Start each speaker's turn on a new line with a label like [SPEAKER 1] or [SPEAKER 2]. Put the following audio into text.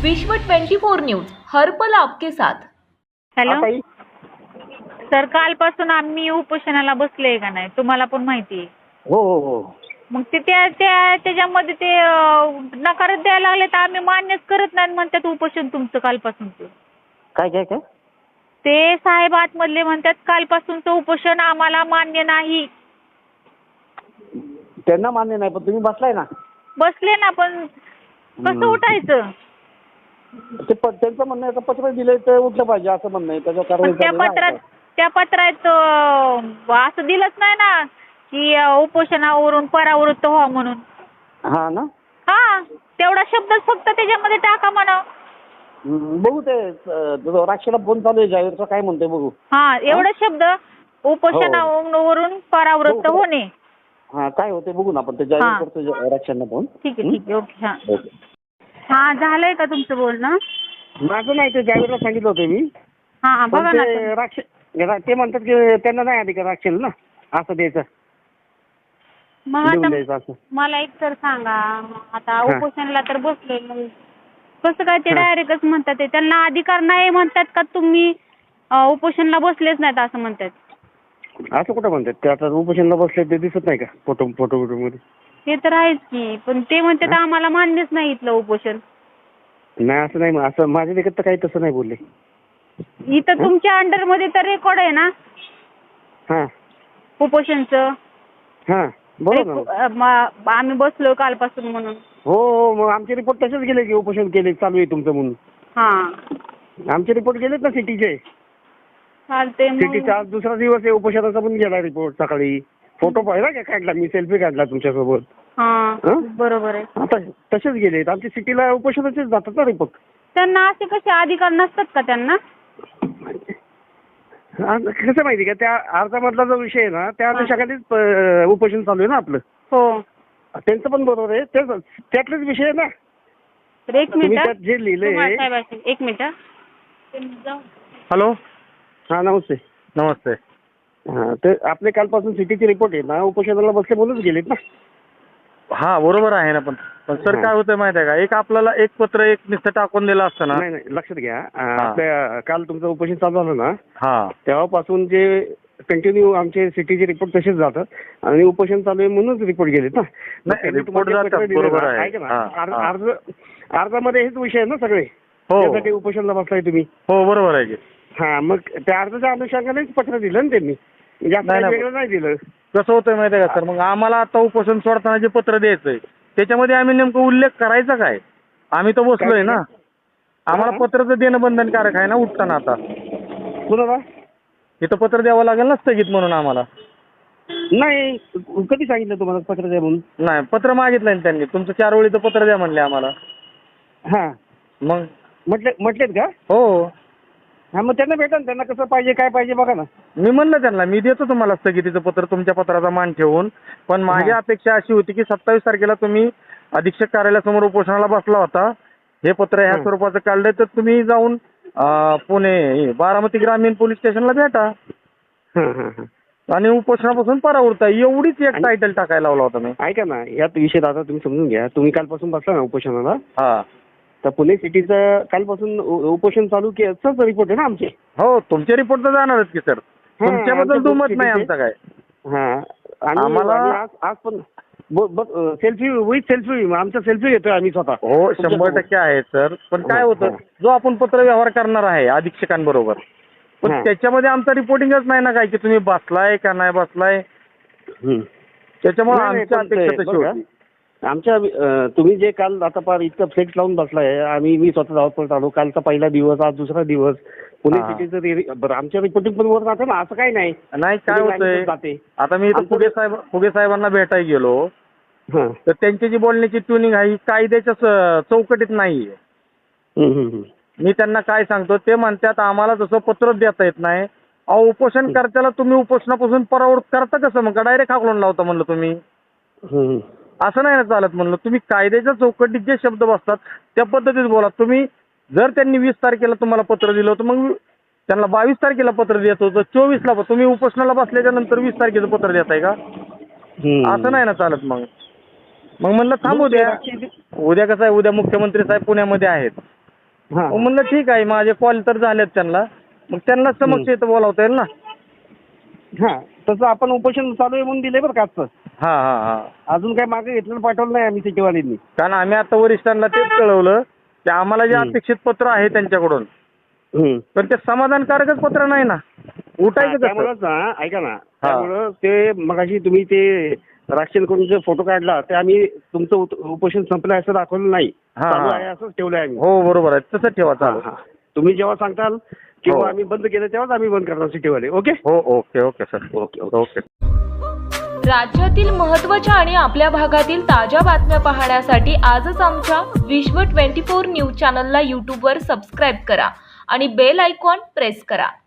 [SPEAKER 1] विश्व 24 न्यूज हर पल आपके साथ।
[SPEAKER 2] हॅलो
[SPEAKER 3] ताई.
[SPEAKER 2] सर, कालपासून आम्ही उपोषणाला बसलोय का नाही तुम्हाला पण माहिती आहे.
[SPEAKER 3] हो हो हो
[SPEAKER 2] मग ते त्याच्यामध्ये ते नकार द्यायला लागले तर आम्ही मान्यच करत नाही म्हणतात उपोषण तुमचं कालपासूनचं.
[SPEAKER 3] काय काय काय
[SPEAKER 2] ते साहेब आतमधले म्हणतात कालपासूनचं उपोषण आम्हाला मान्य नाही.
[SPEAKER 3] त्यांना मान्य नाही पण तुम्ही बसलाय ना.
[SPEAKER 2] बसले ना, पण कसं उठायचं?
[SPEAKER 3] ते त्यांचं म्हणणं आहे का पत्र दिलंय तर उठलं पाहिजे असं म्हणणं आहे. त्याच्या कारवाई
[SPEAKER 2] पण त्या पत्रात असं दिलंच नाही ना की उपोषणावरून परावृत्त व्हा म्हणून.
[SPEAKER 3] हा ना.
[SPEAKER 2] हा, तेवढा शब्दच फक्त त्याच्यामध्ये टाका म्हणा.
[SPEAKER 3] बघू ते राक्षला फोन चालू आहे जाहीरचा काय म्हणतोय बघू.
[SPEAKER 2] हा, एवढा शब्द उपोषणावरून परावृत्त
[SPEAKER 3] हो.
[SPEAKER 2] होणे.
[SPEAKER 3] हा काय होते बघू ना आपण ते जाहीर करतो राक्षांना फोन.
[SPEAKER 2] ठीक आहे ठीक आहे, ओके. हा हा, झालंय का तुमचं बोलणं?
[SPEAKER 3] माझं नाही ते जाहीरला सांगितलं होतं मी.
[SPEAKER 2] हा
[SPEAKER 3] पण
[SPEAKER 2] बघा ना.
[SPEAKER 3] ते ते म्हणतात की त्यांना नाही अधिकार राक्षेल ना असं द्यायचं
[SPEAKER 2] मग
[SPEAKER 3] लिहून
[SPEAKER 2] आता
[SPEAKER 3] द्यायचं असं.
[SPEAKER 2] मला एक तर सांगा, आता उपोषणाला तर बसलोय, मग कसं काय ते डायरेक्टच म्हणतात ते त्यांना अधिकार नाही म्हणतात का तुम्ही उपोषणाला बसलेच नाहीत असं म्हणतात?
[SPEAKER 3] असं कुठं म्हणतात ते आता उपोषणला बसले ते दिसत नाही का फोटो मध्ये.
[SPEAKER 2] ते तर आहेच की, पण ते म्हणतात आम्हाला मान्यच नाही इथलं उपोषण.
[SPEAKER 3] नाही असं नाही असं माझ्या देखत तर काही तसं नाही बोलले.
[SPEAKER 2] इथं तुमच्या अंडर मध्ये तर रेकॉर्ड आहे ना
[SPEAKER 3] हा
[SPEAKER 2] उपोषणचं.
[SPEAKER 3] हा बरोबर ना.
[SPEAKER 2] आम्ही बसलो कालपासून म्हणून.
[SPEAKER 3] हो हो, मग आमचे रिपोर्ट तसेच गेले की उपोषण केले चालू आहे तुमचं म्हणून.
[SPEAKER 2] हा,
[SPEAKER 3] आमचे रिपोर्ट गेलेत ना सिटीचे.
[SPEAKER 2] चालते मग.
[SPEAKER 3] सिटीचा आज दुसरा दिवस आहे उपोषणाचा पण गेला रिपोर्ट सकाळी. फोटो पाहिला का काढला मी, सेल्फी काढला तुमच्यासोबत.
[SPEAKER 2] हा, बरोबर आहे.
[SPEAKER 3] आता तसेच गेलेत आमच्या सिटीला उपोषणाचेच जातात ना रिपोर्ट.
[SPEAKER 2] त्यांना असे कसे अधिकार नसतात का त्यांना?
[SPEAKER 3] कसं माहिती का त्या अर्जामधला जो विषय आहे ना त्या अनुषंगानेच उपोषण चालू आहे ना आपलं.
[SPEAKER 2] हो,
[SPEAKER 3] त्यांचं पण बरोबर आहे त्यातलेच विषय आहे ना.
[SPEAKER 2] तर एक
[SPEAKER 3] तुम्ही
[SPEAKER 2] मिनिट
[SPEAKER 3] त्यात जे लिहिलंय.
[SPEAKER 2] एक मिनिट.
[SPEAKER 4] हॅलो.
[SPEAKER 3] हा नमस्ते.
[SPEAKER 4] नमस्ते.
[SPEAKER 3] हा तर आपले कालपासून सिटीचे रिपोर्ट आहे ना उपोषणाला बसले म्हणूनच गेलेत ना.
[SPEAKER 4] हा बरोबर आहे ना, पण सर काय होतंय माहिती आहे का, एक आपल्याला एक पत्र एक नुसतं टाकून दिलं असतं ना.
[SPEAKER 3] नाही लक्षात घ्या. आपल्या काल तुमचं उपोषण चालू झालं ना.
[SPEAKER 4] हा,
[SPEAKER 3] तेव्हापासून जे कंटिन्यू आमचे सिटीचे रिपोर्ट तसेच जातात आणि उपोषण चालू आहे म्हणूनच रिपोर्ट गेलेत ना.
[SPEAKER 4] नाही रिपोर्ट जातात, बरोबर आहे.
[SPEAKER 3] अर्जामध्ये हेच विषय आहे ना सगळे.
[SPEAKER 4] हो.
[SPEAKER 3] त्यासाठी उपोषणाला बसलाय तुम्ही.
[SPEAKER 4] हो बरोबर आहे की.
[SPEAKER 3] हा मग त्या अर्जाच्या अनुषंगानेच पत्र दिलं ना त्यांनी. जास्त वेगळं नाही दिलं.
[SPEAKER 4] कसं होतंय माहिती आहे का सर, मग आम्हाला आता उपोषण सोडताना जे पत्र द्यायचंय त्याच्यामध्ये आम्ही नेमकं उल्लेख करायचा काय? आम्ही तर बसलोय ना. आम्हाला पत्र तर देणं बंधनकारक आहे ना उठताना. आता
[SPEAKER 3] कुणाला
[SPEAKER 4] इथं पत्र द्यावं लागेल ना स्थगित म्हणून आम्हाला.
[SPEAKER 3] नाही कधी सांगितलं तुम्हाला पत्र द्या म्हणून?
[SPEAKER 4] नाही, पत्र मागितलं ना त्यांनी, तुमचं 4 ओळीचं पत्र द्या म्हणले आम्हाला.
[SPEAKER 3] हा
[SPEAKER 4] मग
[SPEAKER 3] म्हटलेत का?
[SPEAKER 4] हो.
[SPEAKER 3] हा मग त्यांना भेटा ना, त्यांना कसं पाहिजे काय पाहिजे बघा ना.
[SPEAKER 4] मी म्हणलं त्यांना मी देतो तुम्हाला स्थगितीचं पत्र तुमच्या पत्राचा मान ठेवून, पण माझी अपेक्षा अशी होती की 27 तारखेला तुम्ही अधीक्षक कार्यालयासमोर उपोषणाला बसला होता. हे पत्र ह्या स्वरूपाचं काढलंय तर तुम्ही जाऊन पुणे बारामती ग्रामीण पोलीस स्टेशनला भेटा आणि उपोषणापासून परावृत्त. एवढीच एक टायटल टाकायला लावला होता मी.
[SPEAKER 3] ऐका ना, यात विषय आता तुम्ही समजून घ्या. तुम्ही कालपासून बसला ना उपोषणाला.
[SPEAKER 4] हा,
[SPEAKER 3] तर पुणे सिटीचं कालपासून उपोषण चालू केल्याचाच रिपोर्ट आहे ना आमचे.
[SPEAKER 4] हो, तुमचे रिपोर्ट तर जाणारच की सर. तुमच्याबद्दल दुमत नाही आमचा काय.
[SPEAKER 3] हा आणि
[SPEAKER 4] आम्हाला
[SPEAKER 3] आज पण सेल्फी विथ सेल्फी आमचा सेल्फी घेतोय आम्ही स्वतः.
[SPEAKER 4] हो 100% आहे सर, पण काय होतं जो आपण पत्र व्यवहार करणार आहे अधीक्षकांबरोबर, पण त्याच्यामध्ये आमचा रिपोर्टिंगच नाही ना काय की तुम्ही बसलाय का नाही बसलाय. त्याच्यामुळे आमची अपेक्षा तशी होती.
[SPEAKER 3] आमच्या तुम्ही जे काल आता फार इतकं फ्लेक्स लावून बसलाय. मी स्वतः धावपळ आलो. कालचा पहिला दिवस, आज दुसरा दिवस. पुणे सिटीचं बरं आमच्या रिपोर्टिंग पण वर जाते ना, असं काही नाही.
[SPEAKER 4] नाही काय होतंय, आता मी इथं फुगे साहेबांना भेटायला गेलो तर त्यांची जी बोलण्याची ट्युनिंग आहे ही कायद्याच्या चौकटीत नाहीये. मी त्यांना काय सांगतो ते म्हणतात आम्हाला जसं पत्र देता येत नाही. अहो उपोषण करताना तुम्ही उपोषणापासून परावृत्त करता कसं, मग डायरेक्ट हाकलून लावता म्हणलं तुम्ही. असं नाही ना चालत म्हणलं. तुम्ही कायद्याच्या चौकटीत जे शब्द बसतात त्या पद्धतीत बोला. तुम्ही जर त्यांनी 20 तारखेला तुम्हाला पत्र दिलं होतं मग त्यांना 22 तारखेला पत्र देत होतं, 24ला तुम्ही उपोषणाला बसल्याच्या नंतर 20 तारखेचं पत्र देताय का? असं नाही ना चालत. मग म्हणलं थांबू द्या. उद्या कसं आहे, उद्या मुख्यमंत्री साहेब पुण्यामध्ये आहेत.
[SPEAKER 3] हा.
[SPEAKER 4] मग म्हणलं ठीक आहे, माझे कॉल तर झालेत त्यांना, मग त्यांना समक्ष इथं बोलावता येईल ना.
[SPEAKER 3] हा तसं आपण उपोषण चालू आहे म्हणून दिले बरं का आजचं.
[SPEAKER 4] हा हा हा.
[SPEAKER 3] अजून काही मागे घेतलं पाठवलं नाही आम्ही सिटीवाल्यांनी.
[SPEAKER 4] कारण आम्ही आता वरिष्ठांना तेच कळवलं की आम्हाला जे अपेक्षित पत्र आहे त्यांच्याकडून, पण ते समाधानकारकच पत्र नाही ना. उठायचं कसं?
[SPEAKER 3] त्यामुळेच ना, ऐका ना, त्यामुळं ते मगाशी तुम्ही ते राशन करून जे फोटो काढला ते आम्ही तुमचं उपोषण संपलं असं दाखवलं नाही, चालू आहे असंच ठेवलंय आम्ही.
[SPEAKER 4] हो बरोबर आहे, तसंच ठेवा चालू.
[SPEAKER 3] तुम्ही जेव्हा सांगताल किंवा आम्ही बंद केलं तेव्हाच आम्ही बंद करणार सिटीवाले. ओके.
[SPEAKER 4] हो okay okay sir.
[SPEAKER 3] Okay
[SPEAKER 4] okay.
[SPEAKER 1] राज्यातील महत्त्वाच्या आणि आपल्या भागातील ताज्या बातम्या पाहण्यासाठी आजच आमच्या विश्व 24 न्यूज चॅनलला यूट्यूबवर सबस्क्राईब करा आणि बेल आयकॉन प्रेस करा.